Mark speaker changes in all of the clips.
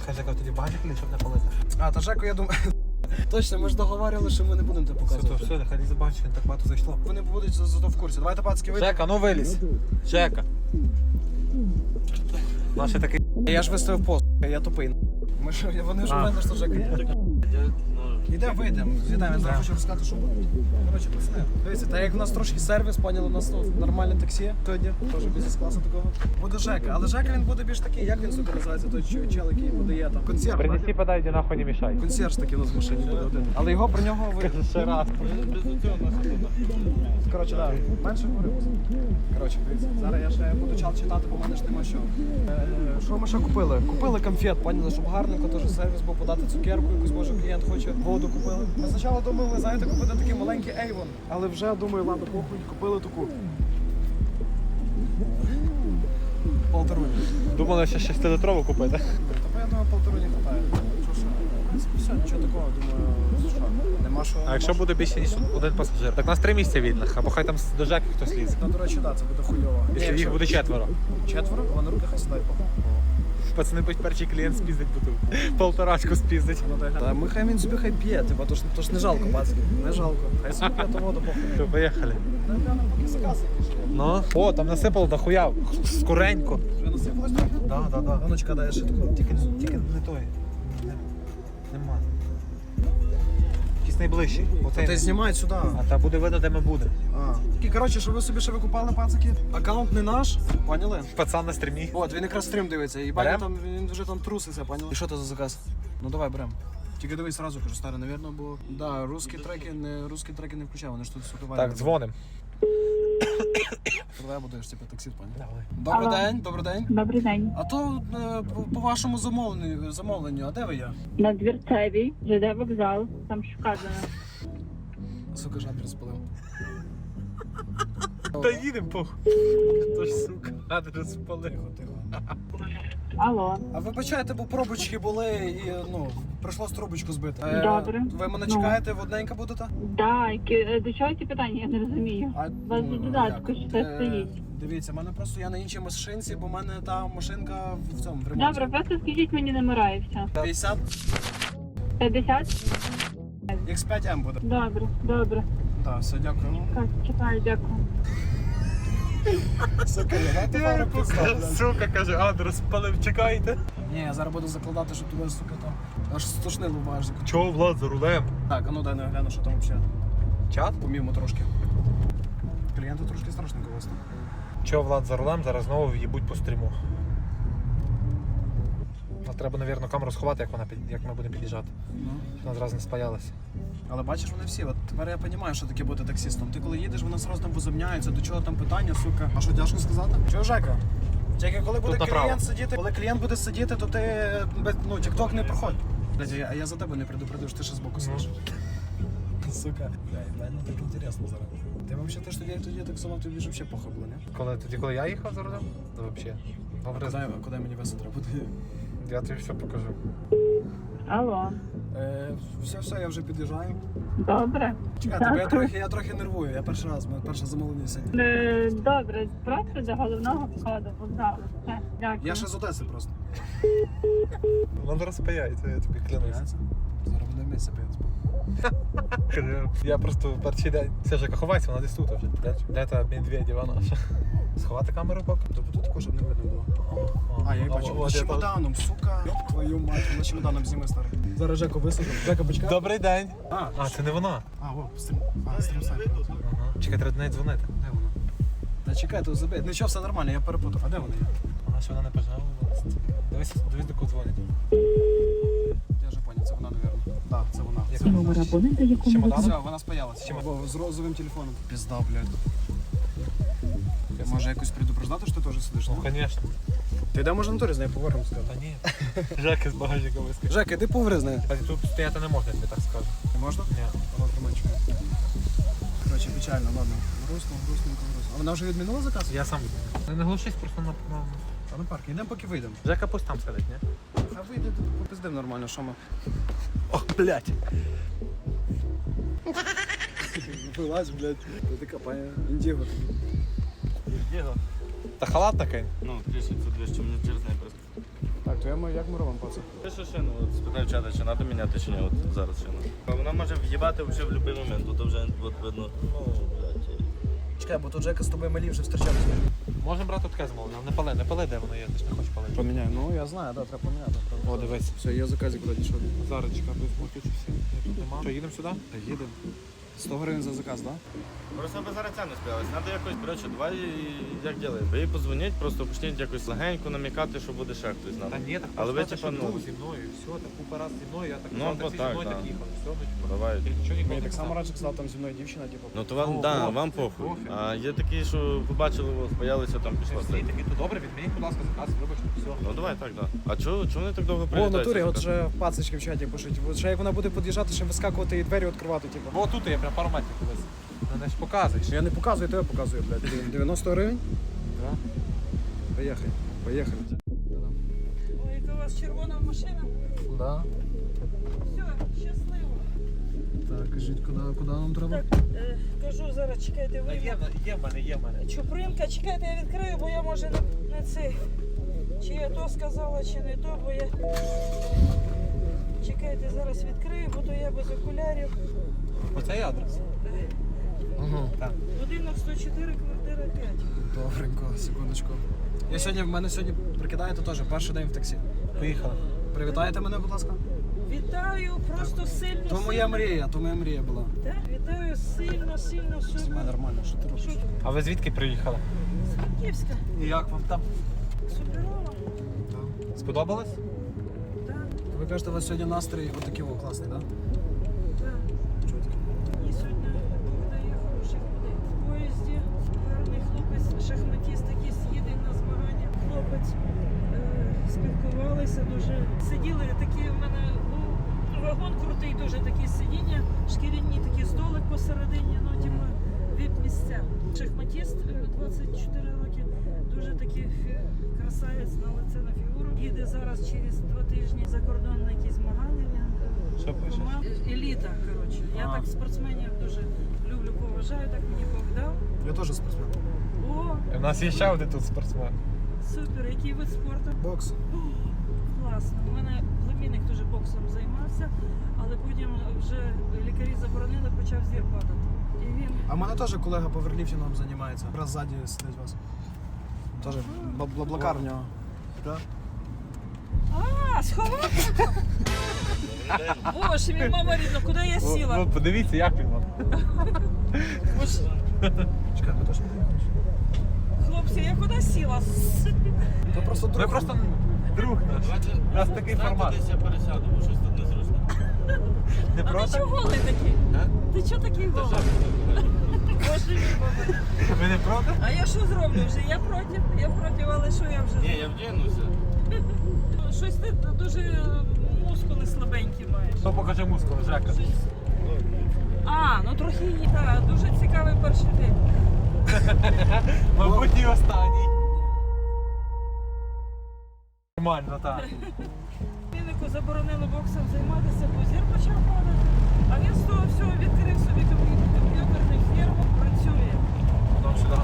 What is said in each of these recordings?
Speaker 1: Хай Жека тоді багажник лізе, щоб не палити.
Speaker 2: А, та Жеку, я думаю... Точно, ми ж договорили, що ми не будемо тебе показувати.
Speaker 1: Все, нехай лізе багажник, так багато зайшло.
Speaker 2: Вони будуть зато в курсі. Давайте, пацки, вийдемо.
Speaker 1: Жека, ну вилізь. Жека. Наш такий...
Speaker 2: Я ж виставив пост, я тупий. Вони ж у мене, що Жека є. Ідемо, вийдемо. З'їдаємо, я зараз хочу розказати, що буде. Коротше, пацани, дивіться, так як у нас трошки сервіс, поняли, у нас нормальне таксі сьогодні, теж бізнес-класу такого. Буде Жека, але Жека він буде більш такий, як він собі називається, той чел, який подає там. Консьерж.
Speaker 1: Принеси, подай, де нахуй не мішай.
Speaker 2: Консьерж такий у нас в машині буде один. Але його про нього ви...
Speaker 1: Ще раз.
Speaker 2: Коротше, так, менше говоримо. Коротше, дивіться, зараз я ще буду чал читати, бо в мене ж нема що. Що ми ще купили? Купили конфет, поняли, щоб гарненько теж сервіс був, подати цукерку, якусь, може, клієнт хоче, воду купили. Ми спочатку думали, знаєте, купити такий маленький Avon, але вже, думаю, ладно, похуй, купили таку. Полторуні.
Speaker 1: Думали, що 6-літрову купити.
Speaker 2: Тобто, я думаю, полторуні хватає. Все, нічого такого, думаю, що, нема що.
Speaker 1: А якщо буде більше, ніж один пасажир? Так у нас 3 місця вільних, або хай там до Жеки хтось лізе.
Speaker 2: Ну, до речі, так, це буде хуйово.
Speaker 1: Якщо їх буде 4.
Speaker 2: Четверо, а на руки хай сідають, похуй.
Speaker 1: Пацани, будь перший клієнт спіздить бутилку. Полторачку спіздить.
Speaker 2: Та ми хай він собі хай п'є, типа, то ж не жалко, пацки, не жалко. Хай собі п'є, то воду похуй.
Speaker 1: Все, поїхали.
Speaker 2: Напевно, поки заказ якийсь.
Speaker 1: Ну? О, там насипало дохуя. Скоренько.
Speaker 2: Вже насипалось трохи?
Speaker 1: Да.
Speaker 2: Ганочка, дай я ще такого.
Speaker 1: Тільки не той. Нема. Якийсь найближчий. Оцей.
Speaker 2: Ти знімай сюди.
Speaker 1: А та буде видно, де ми будемо.
Speaker 2: І, коротше, щоб ви собі ще викупали, пацики, аккаунт не наш, поняли?
Speaker 1: Пацан на стрімі.
Speaker 2: От, він якраз стрім дивиться, і
Speaker 1: Берем?
Speaker 2: там, він вже там труситься, поняли? І що це за заказ? Ну давай, берем. Тільки дивись сразу, кажу, старий, навірно, бо... Да, русські треки не включав, вони ж тут сука.
Speaker 1: Так, дзвоним.
Speaker 2: Давай будеш, типу, таксі, поняли?
Speaker 1: Давай.
Speaker 2: Добрий день.
Speaker 3: Добрий день.
Speaker 2: А то по вашому замовленню, а де ви є?
Speaker 3: На Двірцевій, ЖД вокзал, там ж вказано.
Speaker 2: Сука, ж адрес спалив.
Speaker 1: Та їдемо, похуй. Хто ж, сука, адрес спалив.
Speaker 2: Тихо.
Speaker 3: Алло.
Speaker 2: А вибачайте, бо пробочки були і, ну, прийшлось трубочку збити.
Speaker 3: Добре.
Speaker 2: Ви мене
Speaker 3: Ну.
Speaker 2: чекаєте, водненька будете?
Speaker 3: Да, до чого ці питання, я не розумію. У вас у додатку що це стоїть.
Speaker 2: Дивіться, в мене просто я на іншій машинці, бо в мене та машинка в цьому в ремонті.
Speaker 3: Добре, просто скажіть мені номера і все.
Speaker 2: 50
Speaker 3: 50?
Speaker 2: X5M буде.
Speaker 3: Добре.
Speaker 2: Так, все, дякую.
Speaker 3: Так, чекаю, дякую.
Speaker 2: Сука, давайте пару підстав.
Speaker 1: Сука, каже, адрес спалив, чекайте.
Speaker 2: Ні, я зараз буду закладати, щоб туди, сука, там аж стошнило в багажнику.
Speaker 1: Чого, Влад, за рулем?
Speaker 2: Так, а ну дай я гляну, що там взагалі.
Speaker 1: Чат?
Speaker 2: Помімо трошки. Клієнти трошки страшненько у вас там.
Speaker 1: Чого, Влад, за рулем, зараз знову в'їбуть по стріму. Треба, мабуть, камеру сховати, як ми будемо під'їжджати. Щоб вона зразу не спаялася.
Speaker 2: Але бачиш, вони всі, от тепер я розумію, що таке бути таксистом. Ти коли їдеш, вони одразу там возумняються, до чого там питання, сука. А що, тяжко сказати? Чого, Жека? Тільки коли буде клієнт сидіти, то ти ну, тік-ток не проходь. А я за тебе не предупредив, що ти ще збоку сидиш. Сука, реально так інтересно зараз. Ти взагалі тоді так само тобі ж взагалі похуй було, не?
Speaker 1: Коли я їхав за рулем? То взагалі.
Speaker 2: Куди мені веса треба буде?
Speaker 1: Я тобі все покажу.
Speaker 3: Алло.
Speaker 2: Все, я вже під'їжджаю.
Speaker 3: Добре.
Speaker 2: Чекайте, бо я трохи нервую, я перший раз, моє перше замовлення сьогодні.
Speaker 3: Добре, просто до головного входу вокзалу. Все, дякую.
Speaker 2: Я ще з Одеси просто.
Speaker 1: Воно розпаяється, я тобі клянусь.
Speaker 2: Зараз буде місце п'ять.
Speaker 1: Я просто перший день. Все ж ховайся, вона десь тут вже. Де та Медведєва наша? Сховати камеру поки?
Speaker 2: Тобто тут також щоб не видно було. А, я її бачу. Вона з чемоданом, сука. Йоп твою мать, вона з чемоданом зніме, старий. Зараз Жеку висадимо. Жека, почекай.
Speaker 1: Добрий день.
Speaker 2: А,
Speaker 1: Це не вона.
Speaker 2: стрім сайт.
Speaker 1: Ага. Чекай, треба до неї дзвонити. Де вона?
Speaker 2: Та чекай, то забей. Нічого, все нормально, я перепутав. А де вона є?
Speaker 1: Вона ще вона не пожалувалась. Дивись, до кого дзвонить.
Speaker 2: Я вже поняв, це вона, напевно. Так, це вона.
Speaker 3: Номер абонента, якому
Speaker 1: Чемодан?
Speaker 2: Все, вона спаялась. З розовим телефоном. Пізда, блядь. Може якось предупреждати, що ти теж сидиш?
Speaker 1: Ну, звісно.
Speaker 2: Ти де може на турі з нею поговоримо, сказати?
Speaker 1: Та ні. Жека з багажника вискочив.
Speaker 2: Жека, іди поговори з нею.
Speaker 1: Тут стояти не можна, я тобі так скажу.
Speaker 2: Не можна?
Speaker 1: Ні.
Speaker 2: Вона тримає. Коротше, печально, ладно. Грустненько. А вона вже відмінила заказ?
Speaker 1: Я сам відмінив. Не глушись просто на...
Speaker 2: А на парк, йдемо поки вийдемо.
Speaker 1: Жека пусть там сидить, ні?
Speaker 2: А вийде, попиздим нормально, що ми.
Speaker 1: Ох, блядь.
Speaker 2: Вилазь, блядь. Ти копає індіго.
Speaker 1: Та халат такий.
Speaker 4: Ну, кришиться дві, що мені через неї просто.
Speaker 2: Так, то як ми робимо, пацан?
Speaker 4: Пишу шину, от спитаю чата, чи треба міняти чи ні, от зараз шину. А вона може в'їбати взагалі в будь-який момент, тут вже от видно, ну, блядь.
Speaker 2: Чекай, бо тут Жека з тобою малі вже зустрічалися.
Speaker 1: Можемо брати таке замовлення, не пали, де воно є, ти ж не хочеш палити.
Speaker 2: Поміняй, ну я знаю, да, треба поміняти.
Speaker 1: О, дивись.
Speaker 2: Все, є заказик вроді, що?
Speaker 1: Зараз чекай, без мультичі всі. Тут нема. Що, їдемо сюди?
Speaker 2: Їдемо. 100 гривень за заказ, так?
Speaker 4: Просто би зараз ця не спілась. Треба якось, коротше, давай як ділаємо. Ви їй позвоніть, просто почніть якось легенько намікати, що буде ще хтось знати.
Speaker 1: Та ні, так
Speaker 4: Але ви,
Speaker 1: просто
Speaker 4: типа,
Speaker 1: що
Speaker 4: ну-
Speaker 1: був зі мною, все, так купа раз зі мною, я так
Speaker 4: Ну,
Speaker 1: казав,
Speaker 4: бо
Speaker 1: таксі зі
Speaker 4: так,
Speaker 1: мною,
Speaker 4: да.
Speaker 1: так їхав. Все, ну, типу,
Speaker 4: Давай.
Speaker 1: я нічого ніколи
Speaker 2: Мені
Speaker 1: не
Speaker 2: так само
Speaker 1: казав.
Speaker 2: раніше казав, там зі мною дівчина, типу.
Speaker 4: Ну то вам,
Speaker 1: Ну,
Speaker 4: да,
Speaker 1: пофіг,
Speaker 4: вам похуй.
Speaker 1: пофіг.
Speaker 4: А є такі, що побачили вас, боялися, там пішла.
Speaker 1: Всі такі, то добре, відмініть, будь ласка, заказ, вибачте, все.
Speaker 4: Ну давай так, да. А чого вони так довго
Speaker 2: О, в
Speaker 4: прилітають?
Speaker 2: натурі,
Speaker 4: ці
Speaker 2: от
Speaker 4: закази?
Speaker 2: вже пацички в чаті пишуть. От ще як вона буде під'їжджати, ще вискакувати і двері відкривати, типу.
Speaker 1: О, тут я прям пару метрів колись. Не ж показуєш.
Speaker 2: Я не показую, то я показую, блядь. 90 гривень?
Speaker 1: Да.
Speaker 2: Поїхали. Поїхали.
Speaker 5: Ой, яка у вас червона машина.
Speaker 1: Да.
Speaker 5: Все, щасливо.
Speaker 2: Так, кажіть, куди нам треба?
Speaker 5: Так, кажу зараз, чекайте, ви.
Speaker 1: Є в мене.
Speaker 5: Чупринка, чекайте, я відкрию, бо я може не цей. Чи я то сказала, чи не то, бо я. Чекайте, зараз відкрию, бо то я без окулярів.
Speaker 1: Оце є адрес.
Speaker 2: Ага.
Speaker 1: Так.
Speaker 5: Будинок 104, квартира 5.
Speaker 2: Добренько, секундочку. В мене сьогодні прикидаєте теж перший день в таксі.
Speaker 1: Поїхали.
Speaker 2: Привітаєте мене, будь ласка.
Speaker 5: Вітаю, просто сильно.
Speaker 2: То моя мрія була.
Speaker 5: Так, вітаю сильно,
Speaker 2: Знімай
Speaker 5: супер.
Speaker 2: нормально, що ти робиш?
Speaker 5: Що?
Speaker 1: А ви звідки приїхали?
Speaker 5: З Франківська.
Speaker 1: І як вам там?
Speaker 5: Суперово.
Speaker 1: Сподобалось?
Speaker 5: Так,
Speaker 2: Ви кажете, у вас сьогодні настрій отакий о, класний, так?
Speaker 5: так.
Speaker 2: Чого таке?
Speaker 5: І сьогодні Бог дає хороших людей. В поїзді гарний хлопець, шахматіст, який їде на змагання. Хлопець спілкувалися дуже. Сиділи такі в мене вагон крутий, дуже такі сидіння, шкіряні такі столик посередині, ну типу віп-місця. Шахматіст 24 роки, дуже такий красавець на лице, на фігуру. Їде зараз через 2 тижні за кордон на якісь змагання. Він
Speaker 1: Що пишеш?
Speaker 5: еліта, коротше. Я так спортсменів дуже люблю, поважаю, так мені Бог дав.
Speaker 2: Я теж спортсмен.
Speaker 5: О,
Speaker 1: У нас є ще один тут спортсмен.
Speaker 5: супер, який вид спорту?
Speaker 2: Бокс.
Speaker 5: Класно. У мене племінник дуже боксом займався, але потім вже лікарі заборонили, почав зір падати. І він
Speaker 2: А в мене теж колега по верліфтингам займається. Якраз ззаді сидить вас. Теж блаблакар в нього. Так?
Speaker 5: сховався. Боже, мій мама рідна, куди я сіла?
Speaker 1: Ну, подивіться, як він вам.
Speaker 5: Боже,
Speaker 2: Чекай, ми теж не приїхали.
Speaker 5: хлопці, я куди сіла?
Speaker 2: То просто
Speaker 1: Ви
Speaker 2: друг.
Speaker 1: просто друг наш. У нас такий формат.
Speaker 4: Десь я пересяду, бо щось тут незручно.
Speaker 1: Не
Speaker 5: А ти
Speaker 1: проти?
Speaker 5: чого голий такий?
Speaker 4: А?
Speaker 5: Ти чого такий голий? Боже мій мама.
Speaker 1: Ви не проти?
Speaker 5: А я що зроблю вже? Я проти, але що я вже
Speaker 4: Ні, я вдягнуся.
Speaker 5: Щось ти дуже мускули слабенькі маєш.
Speaker 1: Хто покаже мускули, Жека?
Speaker 5: А, ну трохи є. Так, дуже цікавий перший день.
Speaker 1: Мабуть, і останній. Нормально, так.
Speaker 5: Племіннику заборонили боксом займатися, бо зір почав падати. А він з того всього відкрив собі комп'ютерну фірму, працює.
Speaker 1: Потім сюди.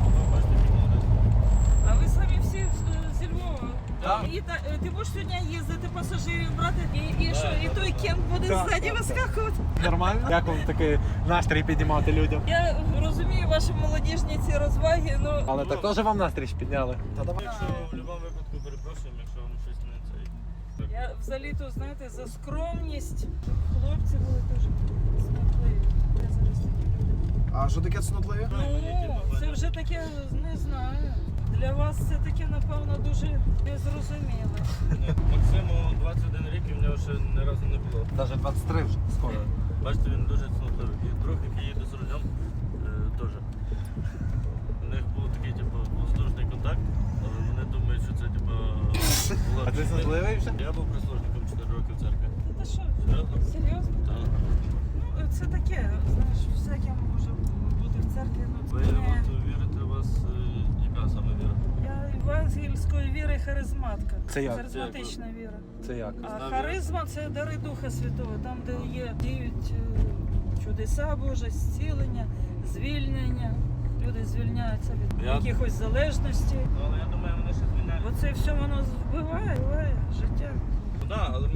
Speaker 5: А ви самі всі зі Львова.
Speaker 1: Так.
Speaker 5: І ти будеш сьогодні їздити пасажирів брати, і що, і той кент буде
Speaker 1: Так.
Speaker 5: ззаді вискакувати.
Speaker 1: Нормально? Як вам такий настрій піднімати людям?
Speaker 5: Я розумію ваші молодіжні ці розваги, ну
Speaker 1: Але так теж вам настрій ж підняли.
Speaker 2: Та давай.
Speaker 4: Якщо в будь-якому випадку перепрошуємо, якщо вам щось не цей.
Speaker 5: я взагалі-то, знаєте, за скромність. Хлопці були дуже смутливі. Я зараз такі люди.
Speaker 2: А що таке цнотливі?
Speaker 5: Ну, це вже таке, не знаю. Для вас це таке, напевно, дуже незрозуміле.
Speaker 4: Максиму 21 рік і в нього ще ні разу не було.
Speaker 1: Навіть 23 вже скоро.
Speaker 4: Бачите, він дуже цнотливий. І друг, який їде з рулем, теж. У них був такий, типу, воздушний контакт, але вони думають, що це, типу, була...
Speaker 1: А ти цнотливий вже?
Speaker 4: Я був прислужником 4 роки в церкві.
Speaker 5: Та що?
Speaker 4: Серйозно?
Speaker 5: Серйозно?
Speaker 4: Так.
Speaker 5: Ну, це таке, знаєш, всяке може бути в церкві, ну
Speaker 4: Ви
Speaker 5: це
Speaker 4: от
Speaker 5: не...
Speaker 4: вірите, у вас яка саме віра?
Speaker 5: Я євангельської віри харизматка.
Speaker 1: Це як?
Speaker 5: Харизматична віра.
Speaker 1: Це як?
Speaker 5: А
Speaker 4: Знав
Speaker 5: харизма це дари Духа Святого, там, де є діють чудеса Божі, зцілення, звільнення. Люди звільняються від якихось залежностей.
Speaker 4: Ну, але я думаю, вони ще звільняють.
Speaker 5: Бо це все воно вбиває життя.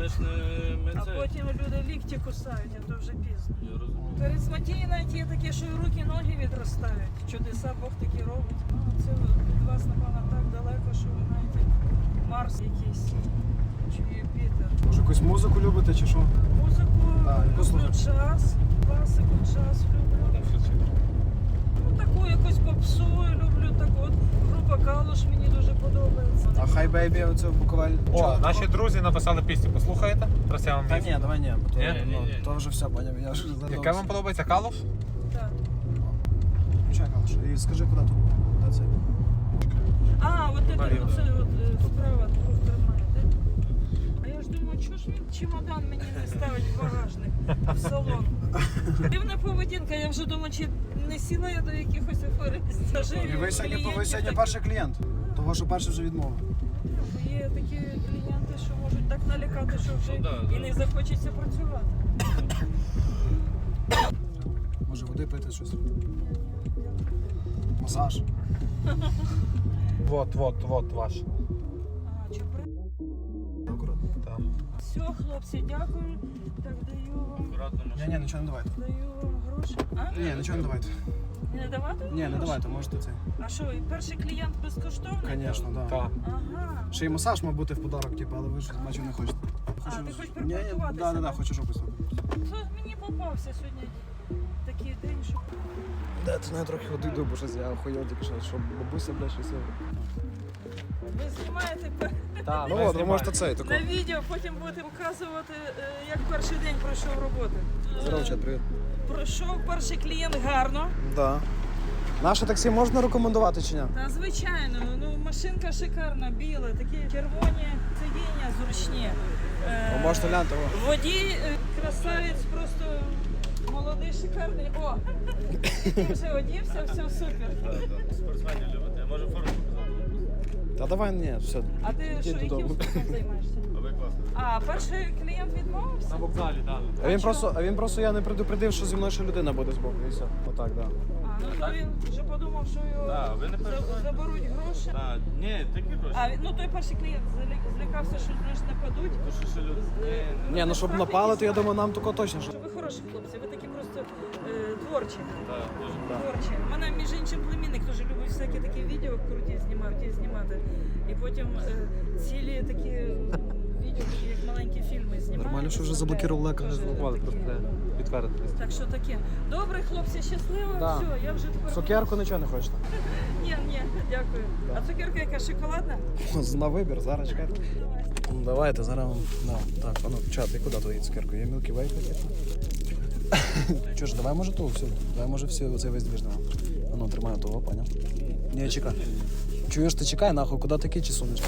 Speaker 4: ми ж не... Ми
Speaker 5: А
Speaker 4: це...
Speaker 5: потім люди лікті кусають, а то вже пізно.
Speaker 4: Я розумію.
Speaker 5: Харизматії навіть є такі, що і руки, ноги відростають. Чудеса Бог такі робить. Ну, це від вас, напевно, так далеко, що ви знаєте, Марс якийсь, чи Юпітер.
Speaker 2: Може якусь музику любите чи що?
Speaker 5: Музику
Speaker 2: Так, яку
Speaker 5: люблю,
Speaker 2: слухаєте?
Speaker 5: джаз, класику, джаз люблю. Ну, таку якусь попсу люблю, так от. Група Калуш мені дуже подобається.
Speaker 2: А Хай Бейбі оце в Буковель.
Speaker 1: О,
Speaker 2: Чого
Speaker 1: наші
Speaker 2: такого?
Speaker 1: друзі написали пісню, послухаєте? Зараз я вам
Speaker 2: Та
Speaker 1: візьму.
Speaker 2: ні, давай ні, бо то,
Speaker 1: Ні?
Speaker 2: ну,
Speaker 4: Ні.
Speaker 2: то вже все, поняв, я ж
Speaker 1: Яке вам подобається, Калуш?
Speaker 5: Так.
Speaker 2: Чекай, Калуш, і скажи, куди тут? Куди це?
Speaker 5: А, от це
Speaker 1: Наліво.
Speaker 5: оце от справа двох тримаєте. А я ж думаю, чого ж він чемодан мені не ставить в багажник, в салон. Дивна поведінка, я вже думаю, чи не сіла я до якихось аферистів.
Speaker 2: І ви сьогодні перший клієнт. Того, що перший вже відмовив.
Speaker 5: Є такі клієнти, що можуть так налякати, що вже
Speaker 4: Ну, да,
Speaker 5: і не захочеться працювати.
Speaker 2: Може води пити щось? Масаж.
Speaker 1: Вот ваш.
Speaker 5: А, чупри?
Speaker 2: Акуратно.
Speaker 1: Так.
Speaker 5: Все, хлопці, дякую. Так, даю вам,
Speaker 4: Акуратно машина.
Speaker 2: Ні, нічого не давайте.
Speaker 5: даю вам гроші. А?
Speaker 2: Ні, нічого не давайте.
Speaker 5: Не давати вам
Speaker 2: Ні, не
Speaker 5: гроші?
Speaker 2: давайте, можете це.
Speaker 5: А що, і перший клієнт безкоштовний?
Speaker 2: Звісно, так.
Speaker 1: Так.
Speaker 5: Ага.
Speaker 2: Ще й масаж мав бути в подарок, типу, але ви ж бачу не хочете.
Speaker 5: А, ти хочеш
Speaker 2: Ні,
Speaker 5: припаркуватися,
Speaker 2: да,
Speaker 5: да?
Speaker 2: хочу жопу.
Speaker 5: Що мені попався сьогодні такий день, що...
Speaker 2: Да, ти не трохи води йду, бо щось я охуєв тільки що бабуся, бля, щось.
Speaker 5: Ви знімаєте
Speaker 1: Так,
Speaker 2: Ну от, ви можете цей тако.
Speaker 5: на відео, потім будете показувати, як перший день пройшов роботи.
Speaker 2: Здорово, чат, привіт.
Speaker 5: Пройшов перший клієнт гарно.
Speaker 2: Да. Наше таксі можна рекомендувати чи ні?
Speaker 5: Та звичайно, ну машинка шикарна, біла, такі червоні сидіння зручні.
Speaker 2: Ви можете гляньте, о.
Speaker 5: Водій красавець, просто молодий, шикарний. О! Вже одівся, все супер.
Speaker 4: Спортсменів любите. Я можу форму показати.
Speaker 2: Та давай, ні, все.
Speaker 5: А ти
Speaker 2: Йди
Speaker 5: що, яким
Speaker 2: додому.
Speaker 5: спортом займаєшся?
Speaker 4: А ви класно.
Speaker 5: А, перший клієнт відмовився?
Speaker 1: На вокзалі, так.
Speaker 2: А він просто я не предупредив, що зі мною ще людина буде збоку, і все. Отак, да.
Speaker 5: А, ну то він вже подумав, що його
Speaker 4: Да, ви не переживайте.
Speaker 5: заберуть гроші.
Speaker 4: Так, ні, такі гроші.
Speaker 5: А, ну той перший клієнт злякався, що знаєш, нападуть.
Speaker 4: То що ще люди.
Speaker 2: Ні, ну щоб напали, то я думаю, нам тако точно. Що...
Speaker 5: Ви хороші хлопці, ви такі просто творчі.
Speaker 4: Так, дуже.
Speaker 5: Творчі. У мене, між іншим, племінник дуже любить всякі такі відео круті знімати. І потім цілі такі відео, такі як маленькі фільми знімають.
Speaker 2: Нормально, що вже заблокували екран.
Speaker 5: Дуже
Speaker 1: Злопали,
Speaker 5: такі,
Speaker 1: просто
Speaker 5: да.
Speaker 1: підтвердитись.
Speaker 5: Так що таке. Добре, хлопці, щасливо.
Speaker 2: Да.
Speaker 5: Все, я вже тепер...
Speaker 2: Цукерку нічого не хочете?
Speaker 5: Ні, дякую. А цукерка яка, шоколадна?
Speaker 2: На вибір, зараз чекайте.
Speaker 5: Давай.
Speaker 2: Давайте, зараз вам. Да. Так, а ну, чат, і куди твої цукерку? Є Milky Way какие-то? Чого ж, давай може ту всю. Давай може всю оцей весь двіж давай. А ну, тримаю того, поняв? Ні, чекай. Чуєш, ти чекай, нахуй, куди ти кичі сунеш?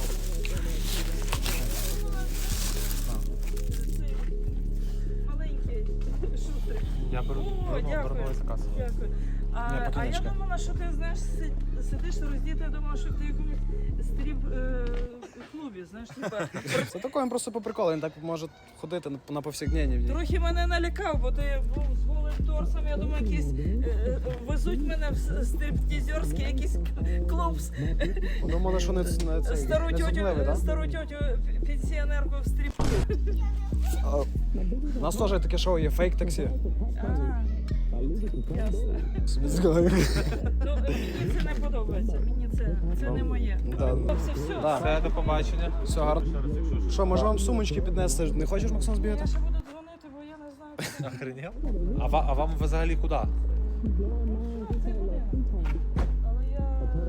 Speaker 5: Маленький шустрик.
Speaker 1: Я беру
Speaker 5: О, дякую.
Speaker 1: новий заказ.
Speaker 5: Дякую.
Speaker 2: Ні,
Speaker 5: А я
Speaker 2: покінечка.
Speaker 5: думала, що ти знаєш, сидиш роздіти, я думала, що ти в якомусь стріп-клубі, знаєш, типа.
Speaker 2: Це таке, він просто по приколу, він так може ходити на повсякденні.
Speaker 5: Трохи мене налякав, бо ти був з голим торсом, я думаю, якісь везуть мене в стриптізерський якийсь клуб.
Speaker 2: Думали, що не це
Speaker 5: Стару
Speaker 2: не зумливий,
Speaker 5: тьотю,
Speaker 2: да?
Speaker 5: стару тьотю пенсіонерку в стріп.
Speaker 2: А, у нас теж таке шоу є фейк-таксі.
Speaker 5: Ясно.
Speaker 2: Собі згадаю.
Speaker 5: Ну, мені це не подобається, мені це не моє.
Speaker 2: Да.
Speaker 5: Хлопці, все.
Speaker 2: Да.
Speaker 1: Все, до побачення.
Speaker 2: Все гарно. Що, може вам сумочки піднести? Не хочеш, Максим, збігати?
Speaker 5: Я ще буду дзвонити, бо я не знаю.
Speaker 1: Охренел? А вам взагалі куди?
Speaker 5: Це буде. Але я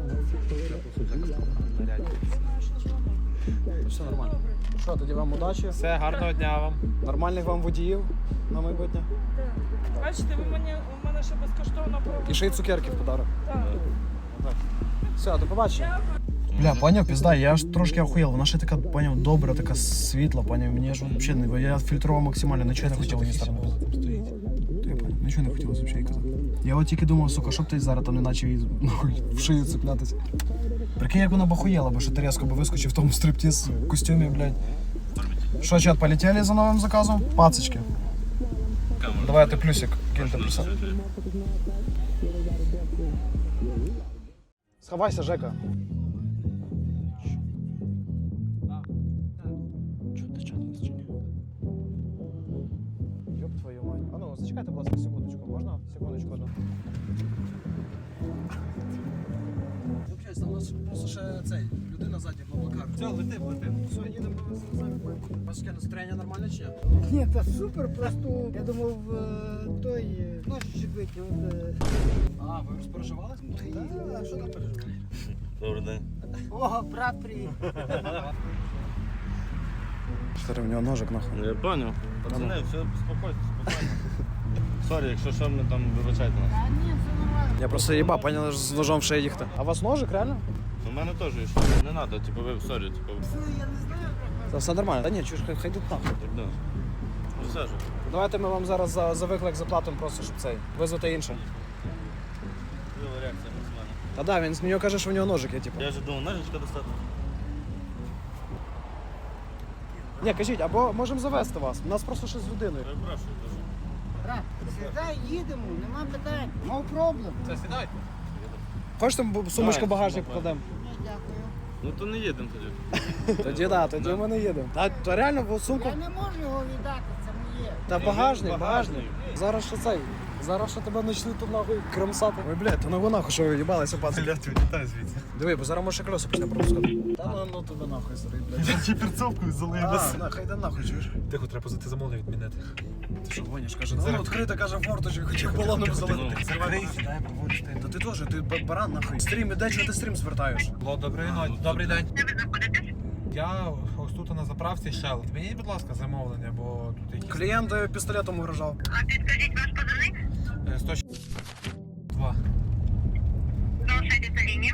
Speaker 5: знаю, що дзвонити.
Speaker 2: Все нормально.
Speaker 5: Добре.
Speaker 2: Що, тоді вам удачі,
Speaker 1: Все, гарного дня вам.
Speaker 2: нормальних вам водіїв на майбутнє.
Speaker 5: Так. Бачите, у мене ще безкоштовно проводить.
Speaker 2: І ще й цукерки в подарок.
Speaker 5: Так.
Speaker 2: Все, до побачення.
Speaker 5: Дякую.
Speaker 2: Бля, поняв, пізда, я ж трошки охуєл. Вона ще така, поняв, добра, така світла, поняв. Мені ж взагалі не. Я фільтрував максимально, нічого не хотів її сторони. Нічого не хотілося взагалі казати. Я от тільки думав, сука, щоб ти зараз там не наче її нахуй в шию цеплятися. Прикинь, як вона б охуєла, бо що ти різко би вискочив в тому стриптіз костюмі, блядь. Що, чат, полетели за новим заказом? Пацочки. Давай ти плюсик, киньте плюса. Сховайся, Жека. Чого ти чат не зчиняв? Зачекайте, будь ласка, секундочку. Можна? Секундочку одну. Там у нас просто ще цей, людина ззаді в облаках.
Speaker 1: Все, летим.
Speaker 2: Все, їдемо самі. У вас яке настроєння нормальне чи ні?
Speaker 6: Ні, та супер, просто я думав, той ножичок витягнув.
Speaker 2: А, ви розпереживали?
Speaker 6: А що там переживати?
Speaker 4: Добрий день.
Speaker 6: О, брат, привіт.
Speaker 2: Що в нього ножик нахуй?
Speaker 4: Я поняв. Пацани, все, спокійно. Сорі, якщо що, ми там вибачайте нас.
Speaker 6: А ні, все нормально.
Speaker 2: Я просто їба, поняли, з ножом в шиї їхати. А у вас ножик, реально?
Speaker 4: У мене теж є, що не треба, типу, ви, сорі, типу,
Speaker 6: Все, я не знаю,
Speaker 2: Це все нормально. Та ні, чуєш, хай йдуть нахуй.
Speaker 4: так, да. Ну, все ж.
Speaker 2: Давайте ми вам зараз за виклик заплатимо просто, щоб цей, визвати інше.
Speaker 4: Була реакція максимальна.
Speaker 2: Та да, він з нього каже, що в нього ножик є, типу.
Speaker 4: Я вже думав, ножичка достати.
Speaker 2: Ні, кажіть, або можемо завести вас. У нас просто щось з людиною.
Speaker 4: Перепрошую дуже.
Speaker 6: брат. Сідай, їдемо, нема питань. Мав проблем.
Speaker 1: Це сідайте.
Speaker 2: Хочете сумочку
Speaker 4: Давай,
Speaker 2: багажник
Speaker 4: давай.
Speaker 2: вкладемо?
Speaker 6: Ні, дякую.
Speaker 4: Ну то не їдемо тоді.
Speaker 2: Тоді да, тоді ми не їдемо. Та реально в сумку.
Speaker 6: Я не можу його віддати, це моє.
Speaker 2: Та багажник. Зараз що цей? Зараз що тебе почнуть тут нахуй кромсати. Ой, блядь, то нахуй нахуй, що ви їбалися, пацан.
Speaker 1: Блядь, вилітай звідси.
Speaker 2: Диви, бо зараз може колеса почне пропускати. Та ну тебе нахуй, старий, блядь.
Speaker 1: Я ще перцовкою залию нас.
Speaker 2: Хай йде нахуй, чуєш?
Speaker 1: Тихо, треба позити замовлення відмінити.
Speaker 2: Ти що гониш, каже,
Speaker 1: Зараз-
Speaker 2: ну відкрита, каже, форточку, хотів балоном залити.
Speaker 1: Закрий, сідай, проводиш ти.
Speaker 2: Та ти теж, ти баран нахуй. Стрім іде, чого ти стрім звертаєш?
Speaker 1: Добрий день. Де ви знаходитесь? Я ось тут на заправці Shell. Відмініть, будь ласка, замовлення, бо тут якісь...
Speaker 2: Клієнт пістолетом угрожав.
Speaker 7: А підкажіть ваш позивник?
Speaker 1: 102.
Speaker 7: Залишайтесь на лінії.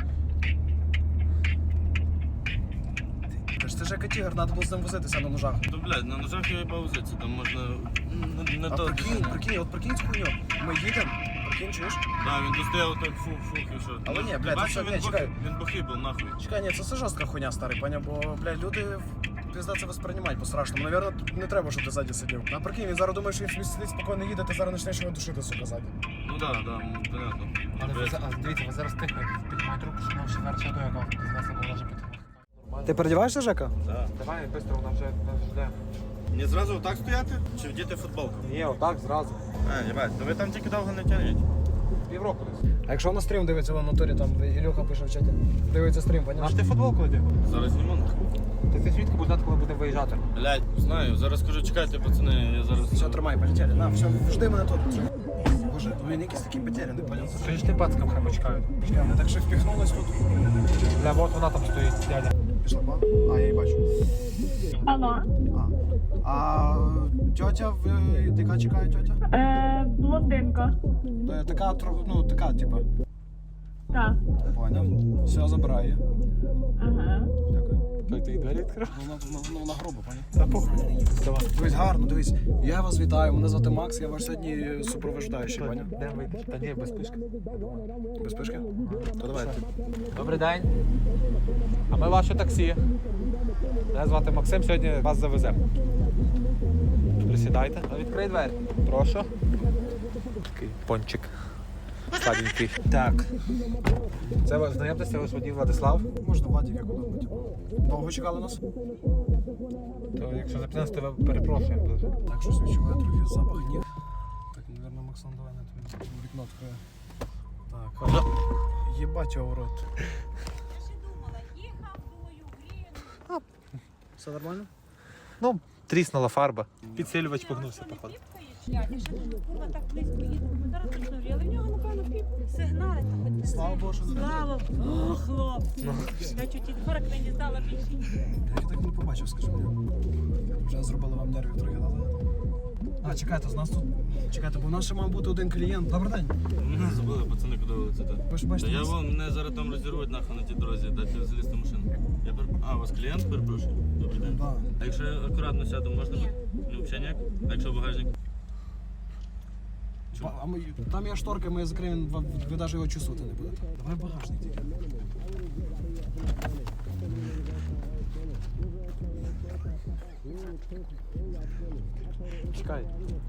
Speaker 2: Ти ж як тігр, треба було з ним возитися на ножах.
Speaker 4: То, блядь, на ножах я паузиться, там можна не
Speaker 2: А
Speaker 4: то.
Speaker 2: прикинь, цю хуйню. Ми їдемо, прикинь, чуєш?
Speaker 4: Да, він достояв так фух і що.
Speaker 2: Але ні,
Speaker 4: Ти
Speaker 2: блядь,
Speaker 4: бачив,
Speaker 2: це- ні, чекай.
Speaker 4: він бухий був, нахуй.
Speaker 2: Чекай, ні, це жорстка хуйня, старий, паня, бо, блядь, люди пізда це восприймають по-страшному. Навірно, не треба, щоб ти ззаді сидів. А прикинь, він зараз думає, що він собі сидить спокійно їде, ти зараз почнеш його душити, сука, ззаді.
Speaker 4: Ну да, понятно.
Speaker 1: Але дивіться, ви зараз тихо піднімайте руку, що нам ще зараз до якого з нас не може бути.
Speaker 2: Ти передіваєшся, Жека?
Speaker 4: Да.
Speaker 1: Давай, швидко, вона вже жде.
Speaker 4: Не зразу отак стояти? Чи вдіти футболку?
Speaker 1: Ні, отак, зразу.
Speaker 4: А, єбать, то ви там тільки довго не тягніть.
Speaker 1: Півроку десь.
Speaker 2: А якщо на стрім дивиться в натурі, там Ілюха пише в чаті, дивиться стрім,
Speaker 1: Наш
Speaker 2: поняв?
Speaker 1: ти футболку одяг?
Speaker 4: Зараз зніму нахуй.
Speaker 1: Ти звідки буде знати, коли буде виїжджати?
Speaker 4: Блядь, знаю, зараз кажу, чекайте, пацани, я зараз...
Speaker 2: Все, тримай, полетели. На, все, жди мене тут. Боже, він якийсь такий потеряний, поняв?
Speaker 1: Скажи, ти пацкам хай почекають.
Speaker 2: Чекай, ми так ще впіхнулись тут.
Speaker 1: Бля, от вона там стоїть, дядя.
Speaker 2: Пішла, ба? А, я її бачу.
Speaker 3: Алло.
Speaker 2: А тьотя, яка чекає тьотя?
Speaker 3: Блондинка.
Speaker 2: Така, ну, така, типа.
Speaker 3: Так.
Speaker 2: Поняв. Все, забирає.
Speaker 3: Ага.
Speaker 2: Дякую.
Speaker 1: Той ти двері відкрив?
Speaker 2: Вона грубо, поняв?
Speaker 1: Та похуй. Давай.
Speaker 2: Дивись, гарно, дивись. Я вас вітаю, мене звати Макс, я ваш сьогодні супроводжаючий, поняв?
Speaker 1: Де вийдеш? Та ні, без пішки.
Speaker 2: Без пишки? То давай.
Speaker 1: Добрий день. А ми ваше таксі. Мене звати Максим, сьогодні вас завеземо. Присідайте. Відкрий двері. Прошу. Такий пончик. Сладенький. Так. Це ви знайомтеся, ось водій Владислав.
Speaker 2: Можна Владик як удобно. Довго чекали нас?
Speaker 1: То якщо запізнилися, то ви перепрошуємо дуже.
Speaker 2: Так, щось відчуваю трохи запах ніг. Так, мабуть, Максон, давай на тобі вікно відкриє. Так. Єбать його в рот. Все нормально?
Speaker 1: Ну, тріснула фарба. Підсилювач погнувся, походу.
Speaker 5: Я ще курва так близько їду, зараз точно але в нього, напевно, сигнали там хоч не
Speaker 2: Слава Богу, що не
Speaker 5: Слава Богу, хлопці. Я чуть від 40 не дістала більше.
Speaker 2: Я так не побачив, скажи мені. Вже зробили вам нервів трохи назад. А, чекайте, з нас тут. Чекайте, бо у нас ще мав бути один клієнт. Добрий день.
Speaker 4: Мене забули, пацани, куди ви летите.
Speaker 2: Ви ж бачите.
Speaker 4: Та я
Speaker 2: нас-
Speaker 4: вон, мене зараз там розірвуть нахуй на тій дорозі, дайте залізти в машину. А, у вас клієнт, перепрошую? Добрий день.
Speaker 2: Да.
Speaker 4: А якщо я акуратно сяду, можна? Ну, взагалі ніяк? А якщо багажник?
Speaker 2: А ми, там є шторка, ми закриємо, ви навіть його чувствувати не будете. Давай багажник тільки.
Speaker 1: Чекай.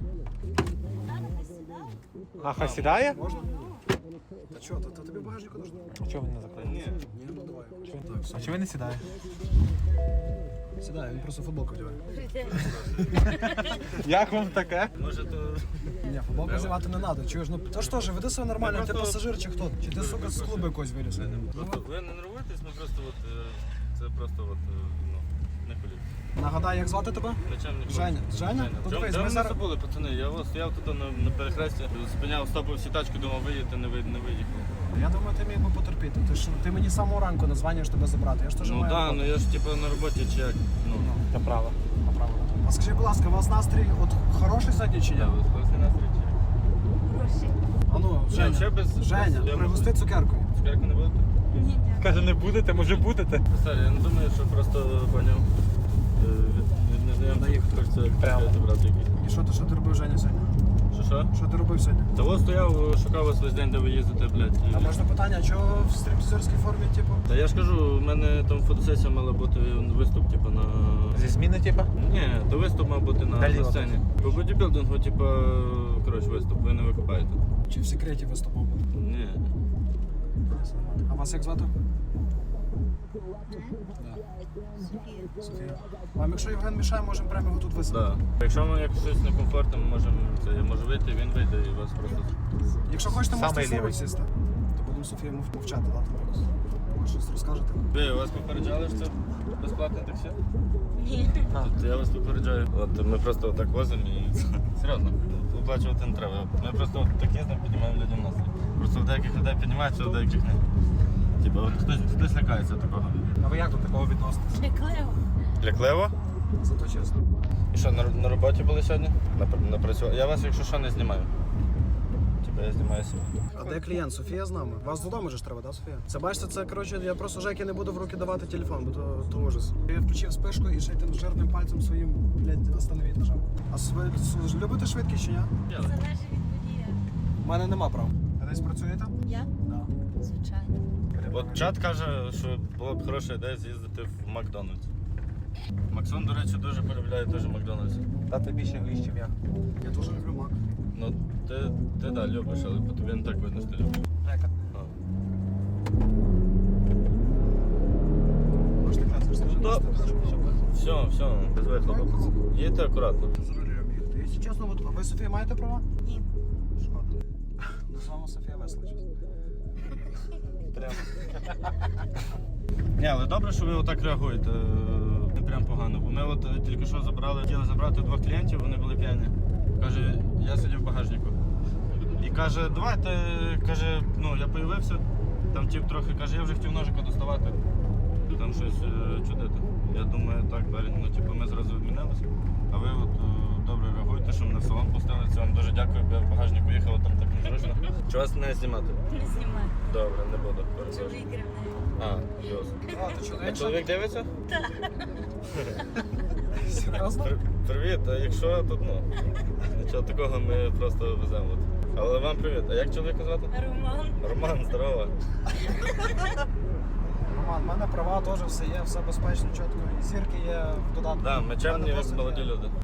Speaker 1: А, хай сідає?
Speaker 2: Можна? Та чого, та тобі багажнику нужно?
Speaker 1: А чого він не закриє?
Speaker 4: Ні.
Speaker 2: Ні, ну давай.
Speaker 1: А чого він не сідає?
Speaker 2: Сідай, він просто футболку вдягає.
Speaker 1: Як вам таке?
Speaker 4: Може то...
Speaker 2: Ні, футболку вдягати не треба. Чуєш, ну то ж теж, веди себе нормально, ти пасажир чи хто? Чи ти, сука, з клубу якось виліз?
Speaker 4: Просто ви не нервуєтесь, ми просто от... Це просто от... Ну, не хвилюйтесь.
Speaker 2: Нагадай, як звати тебе?
Speaker 4: Начальник.
Speaker 2: Женя. Женя? Ну, дивись,
Speaker 4: Де
Speaker 2: ми
Speaker 4: ви
Speaker 2: зараз-
Speaker 4: забули, пацани? Я ось стояв тут на перехресті, спиняв, стопив всі тачки, думав, виїдете, не виїхали.
Speaker 2: Я думаю, ти міг би потерпіти. Ти мені з самого ранку названюєш тебе забрати. Я ж теж
Speaker 4: Ну
Speaker 2: маю
Speaker 4: так,
Speaker 2: роботу.
Speaker 4: ну я ж типу на роботі чи як. Ну,
Speaker 1: Це право.
Speaker 2: Направо. А скажи, будь ласка, у вас настрій от хороший сьогодні чи ні?
Speaker 4: я класний настрій чи?
Speaker 2: А ну,
Speaker 4: Ще
Speaker 2: Женя,
Speaker 4: без...
Speaker 2: Женя,
Speaker 4: я
Speaker 2: пригости цукеркою.
Speaker 4: Цукерку не будете?
Speaker 5: Ні, ні.
Speaker 1: Каже, не будете, може будете.
Speaker 4: Сорі, я не думаю, що просто поняв. Від незнайомців хочеться
Speaker 1: Прямо.
Speaker 4: брати якийсь.
Speaker 2: І що ти робив, Женя, сьогодні?
Speaker 4: Що?
Speaker 2: Що ти робив сьогодні?
Speaker 4: Та ось стояв, шукав вас весь день, де ви їздите, блядь.
Speaker 2: А можна питання, а чого в стриптизерській формі, типу?
Speaker 4: Та я ж кажу, у мене там фотосесія мала бути виступ, типу, на...
Speaker 1: Зі зміни, типа?
Speaker 4: Ні, то виступ мав бути на
Speaker 1: Далі
Speaker 4: сцені. По бодібілдингу, типу, коротше, виступ, ви не викупаєте.
Speaker 2: Чи в секреті виступав?
Speaker 4: Ні.
Speaker 2: А вас як звати? Софія. Вам якщо Євген мішає, можемо прямо його тут висадити.
Speaker 4: Да. Якщо вам якось щось некомфортно, ми можемо, це, я можу вийти, він вийде і вас просто...
Speaker 2: Якщо хочете, можете
Speaker 1: Самий
Speaker 2: в салон
Speaker 1: лівий.
Speaker 2: сісти. То будемо Софію мовчати, дати. Може щось розкажете?
Speaker 4: Ви, вас попереджали, що це безплатне таксі? Ні. Тут я вас попереджаю. От ми просто отак возимо і серйозно, оплачувати не треба. Ми просто от так їздимо, піднімаємо людям настрій. Просто в деяких людей піднімається, а в деяких ні. Типа, от хтось лякається такого.
Speaker 1: А ви як до такого відноситесь?
Speaker 4: Лякливо?
Speaker 2: Зато чесно.
Speaker 4: І що, на роботі були сьогодні? Напрацювали? Я вас, якщо що, не знімаю. Типа я знімаю себе.
Speaker 2: А де клієнт? Софія з нами. Вас додому ж треба, так, Софія? Це бачите, це коротше, я просто Жекі не буду в руки давати телефон, бо то ужас. Я включив спишку і ще й тим жирним пальцем своїм, блядь, остановіть нажав. А любите швидкість чи ні?
Speaker 8: Залежить від водія.
Speaker 2: У мене нема прав. А десь працюєте?
Speaker 8: Я?
Speaker 2: Да.
Speaker 8: Звичайно.
Speaker 4: От чат каже, що була б хороша ідея з'їздити в Макдональдс. Максон, до речі, дуже полюбляє теж Макдональдс.
Speaker 1: Та ти більше виїзд, чим я.
Speaker 2: Я дуже люблю мак.
Speaker 4: Ну, ти да, любиш, але по тобі не так видно, що ти любиш.
Speaker 1: Жека.
Speaker 4: А.
Speaker 2: Можете класти,
Speaker 4: Да. Все, без вихлопу. Їдьте акуратно.
Speaker 2: За рулем їхати. Якщо чесно, от ви, Софія, маєте права?
Speaker 8: Ні.
Speaker 2: Шкода. Ну, з вами Софія весла, чесно.
Speaker 4: Прям. Ні, але добре, що ви отак реагуєте. Не прям погано. Бо ми от тільки що хотіли забрати 2 клієнтів, вони були п'яні. Каже, я сидів в багажнику. І каже, давайте, каже, ну я появився, там тіп трохи, каже, я вже хотів ножика доставати, там щось чудити. Я думаю, так, далі, ну типу, ми зразу відмінилися. А ви от добре реагуєте, що мене в салон пустили. Це вам дуже дякую, бо я в багажнику їхав, там так незручно. Чи вас не знімати?
Speaker 8: Не знімай.
Speaker 4: Добре, не буду. перепрошую.
Speaker 8: Чоловік рівне.
Speaker 4: А, плюс.
Speaker 2: А, ти чоловік?
Speaker 4: А чоловік дивиться?
Speaker 2: Серйозно?
Speaker 4: Привіт, а якщо тут, ну, нічого такого, ми просто веземо. От. Але вам привіт. А як чоловіка звати?
Speaker 8: Роман.
Speaker 4: Роман, здорово.
Speaker 2: Роман, в мене права теж все є, все безпечно, чітко. І зірки є в додатку.
Speaker 4: Так, ми чемні,
Speaker 2: В мене
Speaker 4: як
Speaker 2: досить
Speaker 4: молоді
Speaker 2: є.
Speaker 4: люди.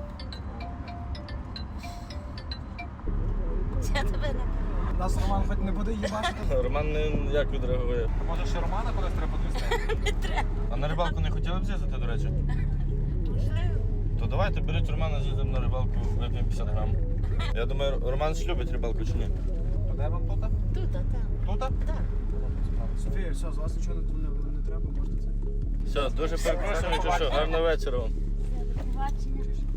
Speaker 8: Я тебе не
Speaker 2: Нас Роман хоч не буде їбачити.
Speaker 4: Роман як відреагує?
Speaker 1: А може ще Романа кудись треба підвезти?
Speaker 8: не треба.
Speaker 4: А на рибалку не хотіли б з'їздити, до речі?
Speaker 8: Можливо.
Speaker 4: То давайте, беріть Романа, з'їздимо на рибалку, вип'ємо 50 грам. Я думаю, Роман ж любить рибалку чи ні?
Speaker 1: То де вам тут?
Speaker 8: Тут, а там.
Speaker 1: Тут?
Speaker 8: Так.
Speaker 2: Софія, все, з вас нічого не треба, можете це.
Speaker 4: Все, дуже перепрошую, чи що, гарного вечора вам.
Speaker 8: Все, до побачення.